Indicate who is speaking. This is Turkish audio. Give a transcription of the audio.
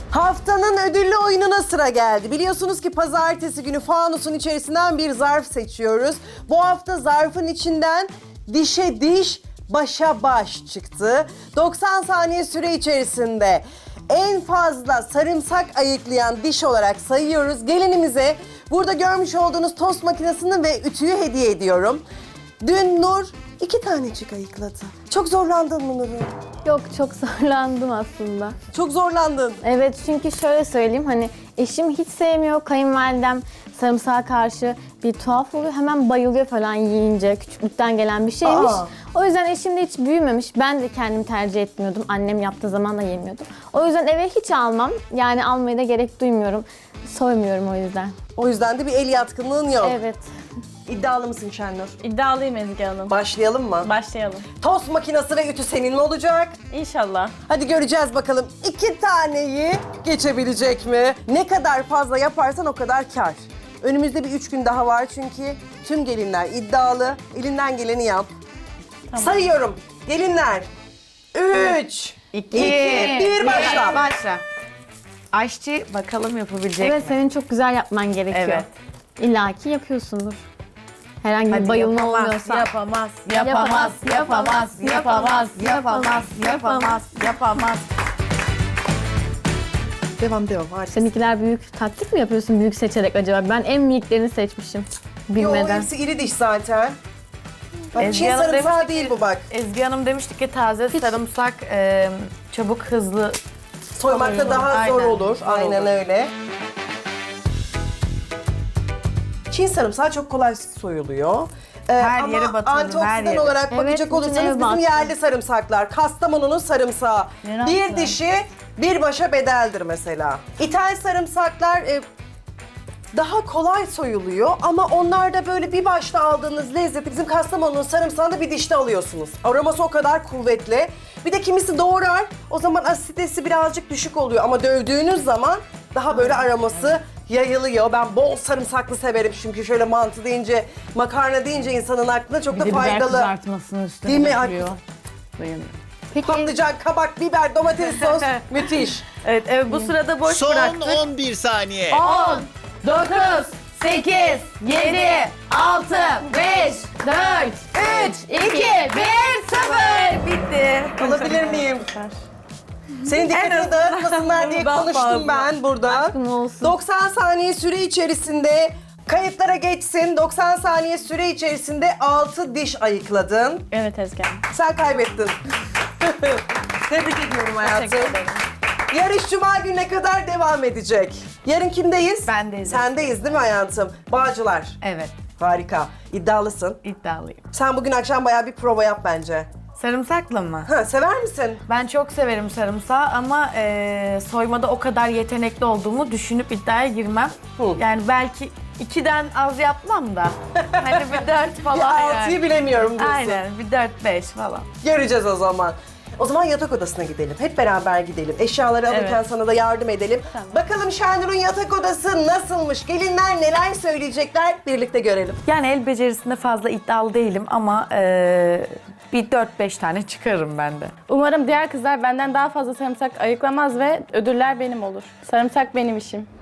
Speaker 1: Haftanın ödüllü oyununa sıra geldi. Biliyorsunuz ki pazartesi günü fanusun içerisinden bir zarf seçiyoruz. Bu hafta zarfın içinden dişe diş, başa baş çıktı. 90 saniye süre içerisinde en fazla sarımsak ayıklayan diş olarak sayıyoruz. Gelinimize burada görmüş olduğunuz tost makinesini ve ütüyü hediye ediyorum. Dün Nur 2 tanecik ayıkladı. Çok zorlandın mı Nur'un?
Speaker 2: Yok, çok zorlandım aslında.
Speaker 1: Çok zorlandın.
Speaker 2: Evet, çünkü şöyle söyleyeyim, hani eşim hiç sevmiyor, kayınvalidem sarımsağa karşı bir tuhaf oluyor. Hemen bayılıyor falan yiyince, küçüklükten gelen bir şeymiş.
Speaker 1: Aa.
Speaker 2: O yüzden eşim de hiç büyümemiş. Ben de kendim tercih etmiyordum. Annem yaptığı zaman da yemiyordum. O yüzden eve hiç almam. Yani almaya da gerek duymuyorum. Soymuyorum o yüzden.
Speaker 1: O yüzden de bir el yatkınlığın yok.
Speaker 2: Evet.
Speaker 1: İddialı mısın Şenur?
Speaker 3: İddialıyım Ezgi Hanım.
Speaker 1: Başlayalım mı?
Speaker 3: Başlayalım.
Speaker 1: Tost makinesi ve ütü senin mi olacak?
Speaker 3: İnşallah.
Speaker 1: Hadi göreceğiz bakalım 2 taneyi geçebilecek mi? Ne kadar fazla yaparsan o kadar kar. Önümüzde bir 3 gün daha var çünkü tüm gelinler iddialı. Elinden geleni yap. Sayıyorum. Gelinler. 3, 2, 1 başla.
Speaker 4: Başla. Aşçı bakalım yapabilecek
Speaker 2: Evet,
Speaker 4: mi?
Speaker 2: senin çok güzel yapman gerekiyor.
Speaker 4: Evet.
Speaker 2: İlla ki yapıyorsundur. Herhangi bir
Speaker 4: Hadi
Speaker 2: bayılma
Speaker 4: yapamaz,
Speaker 2: olmuyorsa.
Speaker 4: Yapamaz, yapamaz, yapamaz, yapamaz, yapamaz, yapamaz, yapamaz.
Speaker 1: Devam. Harika.
Speaker 2: Seninkiler büyük. Taktik mi yapıyorsun büyük seçerek acaba? Ben en miniklerini seçmişim.
Speaker 1: Yo,
Speaker 2: Bilmeden.
Speaker 1: hepsi iri diş zaten. Bak
Speaker 4: Ezgi
Speaker 1: Çin
Speaker 4: Hanım
Speaker 1: sarımsağı
Speaker 4: demişti
Speaker 1: değil
Speaker 4: ki-
Speaker 1: bu bak.
Speaker 4: Ezgi Hanım demişti ki taze sarımsak çabuk hızlı.
Speaker 1: Soymakta
Speaker 4: Olur,
Speaker 1: daha zor
Speaker 4: aynen.
Speaker 1: olur.
Speaker 4: Zor
Speaker 1: Aynen
Speaker 4: olur.
Speaker 1: öyle. Çin sarımsağı çok kolay soyuluyor.
Speaker 4: Her
Speaker 1: ama
Speaker 4: yere batırılır,
Speaker 1: antioksidan
Speaker 4: her yere.
Speaker 1: olarak
Speaker 2: Evet,
Speaker 1: bakacak
Speaker 2: bütün
Speaker 1: olursanız
Speaker 2: eve
Speaker 1: bizim
Speaker 2: battı.
Speaker 1: yerli sarımsaklar. Kastamonu'nun sarımsağı. Bir dişi bir başa bedeldir mesela. İthal sarımsaklar daha kolay soyuluyor ama onlarda böyle bir başta aldığınız lezzeti bizim Kastamonu'nun sarımsağında bir dişte alıyorsunuz. Aroması o kadar kuvvetli. Bir de kimisi doğrar, o zaman asiditesi birazcık düşük oluyor ama dövdüğünüz zaman daha böyle aroması yayılıyor. Ben bol sarımsaklı severim çünkü şöyle mantı deyince, makarna deyince insanın aklına çok da faydalı.
Speaker 5: Kızartmasının üstüne
Speaker 1: Değil mi?
Speaker 5: dökülüyor. Dayanıyor.
Speaker 2: Peki
Speaker 1: Patlıcan, kabak, biber, domates sos müthiş.
Speaker 4: Evet, evet bu sırada boş
Speaker 6: Son
Speaker 4: bıraktık.
Speaker 6: 11 saniye.
Speaker 4: 10, 9, 8, 7, 6, 5, 4, 3, 2, 1, 0. Bitti.
Speaker 1: Alabilir miyim? Senin dikkatini dağıtmasınlar diye
Speaker 4: Daha
Speaker 1: konuştum
Speaker 4: fazla.
Speaker 1: ben burada.
Speaker 2: Aşkım olsun.
Speaker 1: 90 saniye süre içerisinde kayıtlara geçsin. 90 saniye süre içerisinde 6 diş ayıkladın.
Speaker 3: Evet Ezgi Hanım.
Speaker 1: Sen kaybettin. Tebrik ediyorum hayatım.
Speaker 3: Teşekkür ederim.
Speaker 1: Yarış Cuma gününe kadar devam edecek. Yarın kimdeyiz?
Speaker 4: Bendeyiz.
Speaker 1: Sendeyiz değil mi hayatım? Bağcılar.
Speaker 4: Evet,
Speaker 1: Harika. İddialısın.
Speaker 4: iddialıyım.
Speaker 1: Sen bugün akşam bayağı bir prova yap bence.
Speaker 4: Sarımsaklı mı?
Speaker 1: Ha, sever misin?
Speaker 4: Ben çok severim sarımsağı ama soymada o kadar yetenekli olduğumu düşünüp iddiaya girmem.
Speaker 1: Hı.
Speaker 4: Yani belki 2'den az yapmam da. Hani bir 4 falan
Speaker 1: Bir 6'yı
Speaker 4: yani.
Speaker 1: bilemiyorum diyorsun.
Speaker 4: Aynen, bir 4-5 falan.
Speaker 1: Göreceğiz o zaman. O zaman yatak odasına gidelim. Hep beraber gidelim. Eşyaları alırken
Speaker 3: Evet.
Speaker 1: sana da yardım edelim. Bakalım Şenur'un yatak odası nasılmış? Gelinler neler söyleyecekler? Birlikte görelim.
Speaker 4: Yani el becerisinde fazla iddialı değilim ama bir 4-5 tane çıkarım ben de.
Speaker 3: Umarım diğer kızlar benden daha fazla sarımsak ayıklamaz ve ödüller benim olur. Sarımsak benim işim.